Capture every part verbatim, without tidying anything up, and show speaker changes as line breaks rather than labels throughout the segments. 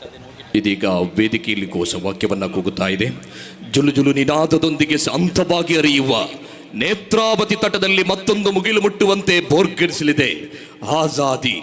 ಇದೀಗ ವೇದಿಕೆಯಲ್ಲಿ ಘೋಷವಾಕ್ಯವನ್ನ ಕೂಗುತ್ತಾ ಇದೆ. ಜುಲು ಜುಲು ನಿನಾದದೊಂದಿಗೆ ಶಾಂತವಾಗಿ ಹರಿಯುವ ನೇತ್ರಾವತಿ ತಟದಲ್ಲಿ ಮತ್ತೊಂದು ಮುಗಿಲು ಮುಟ್ಟುವಂತೆ ಬೋರ್ಗಡಿಸಲಿದೆ ಆಜಾದಿ.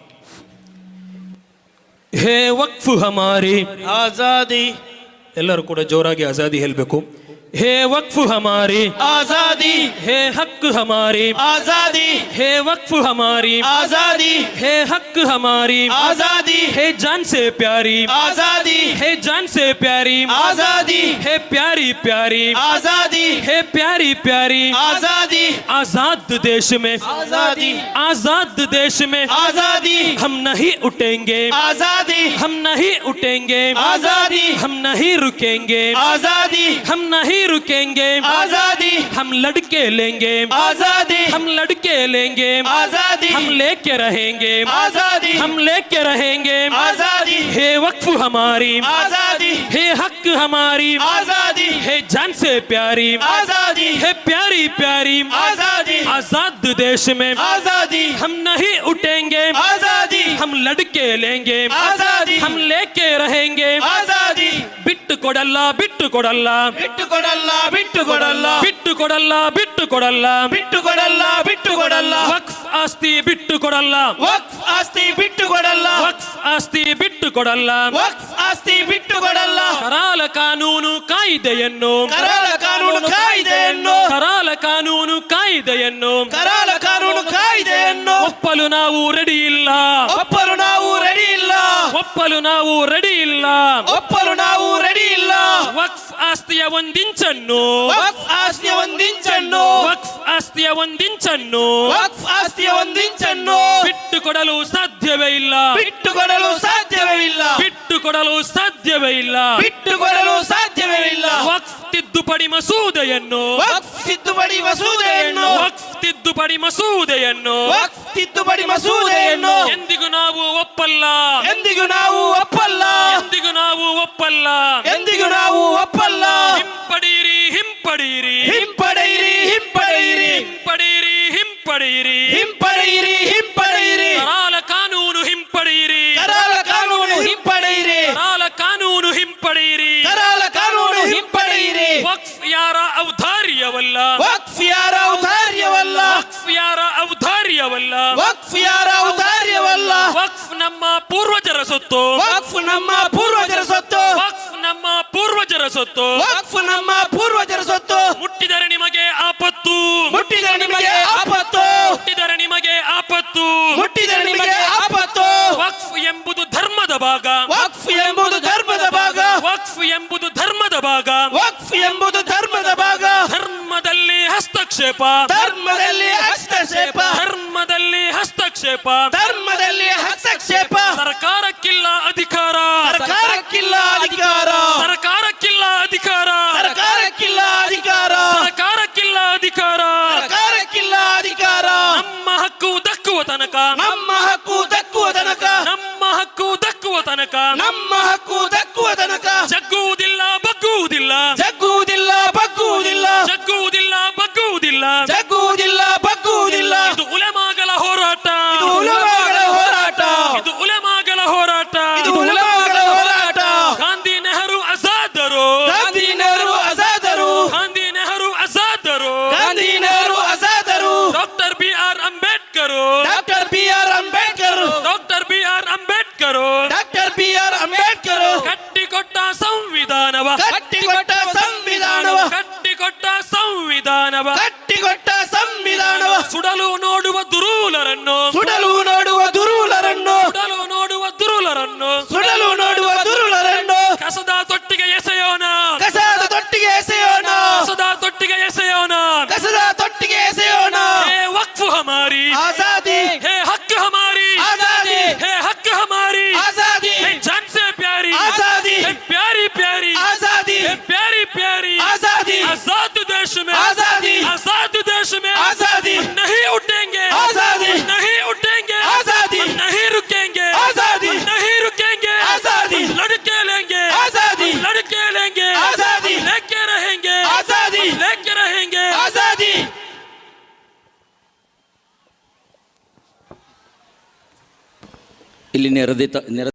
ಹೇ ವಕ್ಫ್ ಹಮಾರಿ
ಆಜಾದಿ.
ಎಲ್ಲರೂ ಕೂಡ ಜೋರಾಗಿ ಆಜಾದಿ ಹೇಳಬೇಕು. हे वक्फ हमारी
आजादी,
हे हक हमारी
आजादी,
हे वक्फ हमारी
आजादी,
हे हक हमारी
आजादी,
हे जान से प्यारी
आजादी,
हे जान से प्यारी
आजादी,
हे प्यारी प्यारी
आजादी,
हे प्यारी प्यारी
आजादी,
आजाद देश में
आजादी,
आजाद देश में
आजादी,
हम नहीं उठेंगे
आजादी,
हम नहीं उठेंगे
आजादी,
हम नहीं रुकेंगे
आजादी,
हम नहीं रुकेंगे
आजादी,
हम लड़के लेंगे
आजादी,
हम लड़के लेंगे
आजादी,
हम लेके रहेंगे
आजादी,
हम लेके रहेंगे
आजादी,
हे वक्फ हमारी
आजादी,
हे हक हमारी
आजादी,
हे जान से प्यारी
आजादी,
हे प्यारी प्यारी
आजादी,
आजाद देश में
आजादी,
हम नहीं उठेंगे
आजादी,
हम लड़के लेंगे
आजादी,
हम लेके रहेंगे
आजादी,
बिट्टु कोडल्ल बिट्टु कोडल्ल
बिट्टु ಕೊಡಲ್ಲ ಬಿಟ್ಟು ಕೊಡಲ್ಲ
ಬಿಟ್ಟು ಕೊಡಲ್ಲ ಬಿಟ್ಟು ಕೊಡಲ್ಲ
ಬಿಟ್ಟು ಕೊಡಲ್ಲ ಬಿಟ್ಟು ಕೊಡಲ್ಲ
ವಕ್ಫ್ ಆಸ್ತಿ ಬಿಟ್ಟು ಕೊಡಲ್ಲ
ವಕ್ಫ್ ಆಸ್ತಿ ಬಿಟ್ಟು ಕೊಡಲ್ಲ
ವಕ್ಫ್ ಆಸ್ತಿ ಬಿಟ್ಟು ಕೊಡಲ್ಲ
ವಕ್ಫ್ ಆಸ್ತಿ ಬಿಟ್ಟು ಕೊಡಲ್ಲ
ಕರಾಳ ಕಾನೂನು ಕಾಯ್ದೆಯನ್ನು
ಕರಾಳ ಕಾನೂನು ಕಾಯ್ದೆಯನ್ನು
ಕರಾಳ ಕಾನೂನು ಕಾಯ್ದೆಯನ್ನು
ಕರಾಳ ಕಾನೂನು ಕಾಯ್ದೆಯನ್ನು
ಒಪ್ಪಲು ನಾವು ರೆಡಿ ಇಲ್ಲ
ಒಪ್ಪಲು ನಾವು ರೆಡಿ ಇಲ್ಲ
ಒಪ್ಪಲು ನಾವು ರೆಡಿ ಇಲ್ಲ
ಒಪ್ಪಲು ನಾವು ರೆಡಿ ಇಲ್ಲ
ವಕ್ಫ್ ಆಸ್ತಿಯ ಒಂದಿಂಚನ್ನು
ವಕ್ಫ್ ಆಸ್ತಿಯ ಒಂದಿಂಚನ್ನು
ವಕ್ಫ್ ಆಸ್ತಿಯ ಒಂದಿಂಚನ್ನು
ವಕ್ಫ್ ಆಸ್ತಿಯ ಒಂದಿಂಚನ್ನು
ಬಿಟ್ಟು ಕೊಡಲು ಸಾಧ್ಯವೇ ಇಲ್ಲ
ಬಿಟ್ಟು ಕೊಡಲು ಸಾಧ್ಯವೇ ಇಲ್ಲ
ಬಿಟ್ಟು ಕೊಡಲು ಸಾಧ್ಯವೇ ಇಲ್ಲ
ಬಿಟ್ಟು ಕೊಡಲು ಸಾಧ್ಯವೇ ಇಲ್ಲ
ವಕ್ಫ್ ತಿದ್ದುಪಡಿ ಮಸೂದೆಯನ್ನು
ವಕ್ಫ್ ತಿದ್ದುಪಡಿ ಮಸೂದೆಯನ್ನು
ವಕ್ಫ್ ತಿದ್ದುಪಡಿ ಮಸೂದೆಯನ್ನು
ವಕ್ಫ್ ತಿದ್ದುಪಡಿ ಮಸೂದೆಯನ್ನು
ಎಂದಿಗೂ ನಾವು ಒಪ್ಪಲ್ಲ
ಎಂದಿಗೂ ನಾವು ಒಪ್ಪಲ್ಲ
ಎಂದಿಗೂ ನಾವು ಒಪ್ಪಲ್ಲ
ಎಂದಿಗೂ ನಾವು ಒಪ್ಪಲ್ಲ
ಹಿಂಪಡೀರಿ ಹಿಂಪಡೀರಿ
ಹಿಂಪಡೆಯಿರಿ ಹಿಂಪಡೆಯಿರಿ
ಹಿಂಪಡೀರಿ ಹಿಂಪಡೀರಿ
ಹಿಂಪಡೆಯಿರಿ ಹಿಂಪಡೆಯಿರಿ
ಕರಾಳ ಕಾನೂನು ಹಿಂಪಡೀರಿ
ಕರಾಳ ಕಾನೂನು ಹಿಂಪಡೆಯಿರಿ
ಕರಾಳ ಕಾನೂನು ಹಿಂಪಡೀರಿ
ಕರಾಳ ಕಾನೂನು ಹಿಂಪಡೆಯಿರಿ
ವಕ್ಫ್ ಯಾರ ಔದಾರ್ಯವಲ್ಲ
ವಕ್ಫ್ ಯಾರ ಔದಾರ್ಯವಲ್ಲ
ವಕ್ಫ್ ಯಾರ ಔದಾರ್ಯವಲ್ಲ
ವಕ್ಫ್ ಯಾರ ಔದಾರ್ಯವಲ್ಲ
ವಕ್ಫ್ ನಮ್ಮ ಪೂರ್ವಜರ ಸೊತ್ತು
ವಕ್ಫ್ ನಮ್ಮ ಪೂರ್ವಜರ ಸೊತ್ತು
ವಕ್ಫ್ ನಮ್ಮ ಪೂರ್ವಜರ ಸೊತ್ತು
ವಕ್ಫ್ ನಮ್ಮ ಪೂರ್ವಜರ ಸೊತ್ತು
ಮುಟ್ಟಿದರೆ ನಿಮಗೆ ಆಪತ್ತು
ಮುಟ್ಟಿದರೆ ನಿಮಗೆ ಆಪತ್ತು
ಮುಟ್ಟಿದರೆ ನಿಮಗೆ ಆಪತ್ತು
ಮುಟ್ಟಿದರೆ ನಿಮಗೆ ಆಪತ್ತು
ವಕ್ಫ್ ಎಂಬುದು ಧರ್ಮದ ಭಾಗ
ವಕ್ಫ್ ಎಂಬುದು ಧರ್ಮದ ಭಾಗ
ವಕ್ಫ್ ಎಂಬುದು ಧರ್ಮದ ಭಾಗ
ವಕ್ಫ್ ಎಂಬುದು ಧರ್ಮದ ಭಾಗ
ಧರ್ಮದಲ್ಲಿ ಹಸ್ತಕ್ಷೇಪ
ಧರ್ಮದಲ್ಲಿ ಹಸ್ತಕ್ಷೇಪ
ಧರ್ಮದಲ್ಲಿ ಹಸ್ತಕ್ಷೇಪ
ಧರ್ಮದಲ್ಲಿ ಹಸ್ತಕ್ಷೇಪ
ಸರ್ಕಾರಕ್ಕಿಲ್ಲ ಅಧಿಕಾರ
ಸರ್ಕಾರಕ್ಕಿಲ್ಲ ಅಧಿಕಾರ
ಸರ್ಕಾರಕ್ಕಿಲ್ಲ ಅಧಿಕಾರ
ಸರ್ಕಾರಕ್ಕಿಲ್ಲ ಅಧಿಕಾರ
ಸರ್ಕಾರಕ್ಕಿಲ್ಲ ಅಧಿಕಾರ
ಸರ್ಕಾರಕ್ಕಿಲ್ಲ ಅಧಿಕಾರ
ನಮ್ಮ ಹಕ್ಕು ದಕ್ಕುವ ತನಕ
ನಮ್ಮ ಹಕ್ಕು ದಕ್ಕುವ ತನಕ
ನಮ್ಮ ಹಕ್ಕು ದಕ್ಕುವ ತನಕ
ನಮ್ಮ ಹಕ್ಕು ದಕ್ಕುವ ತನಕ
ಜಗ್ಗುವುದಿಲ್ಲ ಬಗ್ಗುವುದಿಲ್ಲ
ಜಗ್ಗುವುದಿಲ್ಲ ಬಗ್ಗುವುದಿಲ್ಲ
ಜಗ್ಗುವುದಿಲ್ಲ ಬಗ್ಗುವುದಿಲ್ಲ
ಜಗ್ಗುವುದಿಲ್ಲ ಬಗ್ಗುವುದಿಲ್ಲ
ಇದು ಉಲೆಮಾಗಲ ಹೋರಾಟ
ಇದು ಉಲಮಾಗಳ ಹೋರಾಟ
ಇದು ಉಲೆಮಾಗಲ ಹೋರಾಟ
ಇದು ಉಲಮಾಗಳ ಹೋರಾಟ
ಗಾಂಧಿ ನೆಹರು ಆಜಾದರು
ಗಾಂಧಿ ನೆಹರು ಆಜಾದರು
ಗಾಂಧಿ ನೆಹರು ಆಜಾದರು
ಗಾಂಧಿ ನೆಹರು ಆಜಾದರು
doctor B R Ambedkar
doctor B R Ambedkar
doctor B R Ambedkar
doctor B R Ambedkar
ಕಟ್ಟಿಕೊಟ್ಟ ಸಂವಿಧಾನವ
ಕಟ್ಟಿಕೊಟ್ಟ ಸಂವಿಧಾನವ
ಕಟ್ಟಿಕೊಟ್ಟ ಸಂವಿಧಾನವ
ಕಟ್ಟಿಕೊಟ್ಟ ಸಂವಿಧಾನವ
ಸುಡಲು ನೋಡುವ ದುರೂಲರನ್ನು
ಸುಡಲು ನೋಡುವ ದುರುಳರನ್ನು
ಸುಡಲು ನೋಡುವ ದುರುಳರನ್ನು
ಸುಡಲು ನೋಡುವ ದುರುಳರನ್ನು
ಕಸದ ತೊಟ್ಟಿಗೆ ಎಸೆಯೋಣ
ಕಸದ ತೊಟ್ಟಿಗೆ ಎಸೆಯೋಣ
ಕಸದ ತೊಟ್ಟಿಗೆ ಎಸೆಯೋಣ
ಕಸದ ತೊಟ್ಟಿಗೆ ಎಸೆಯೋಣ
ಹೇ ವಕ್ಫ್ ಹಮಾರಿ
ಆಜಾದಿ
ಹೇ ಹಕ್ ಹಮಾರಿ
ಆಜಾದಿ
ಹೇ ಹಕ್ ಹಮಾರಿ
ಆಜಾದಿ
ಹೇ ಜಾನ್ ಸೆ ಪ್ಯಾರಿ
आजादी
हे प्यारी प्यारी
आजादी
हे प्यारी प्यारी
आजादी
आजाद देश में
आजादी
आजाद देश में
आजादी
हम नहीं उठेंगे
आजादी
हम नहीं उठेंगे
आजादी
हम नहीं रुकेंगे
आजादी
हम नहीं रुकेंगे
आजादी
हम लड़के लेंगे
आजादी
हम लड़के लेंगे
आजादी
हम लेके रहेंगे
आजादी
हम लेके रहेंगे
आजादी
ಇಲ್ಲಿ ನೆರೆದಿದ್ದ ನೆರೆ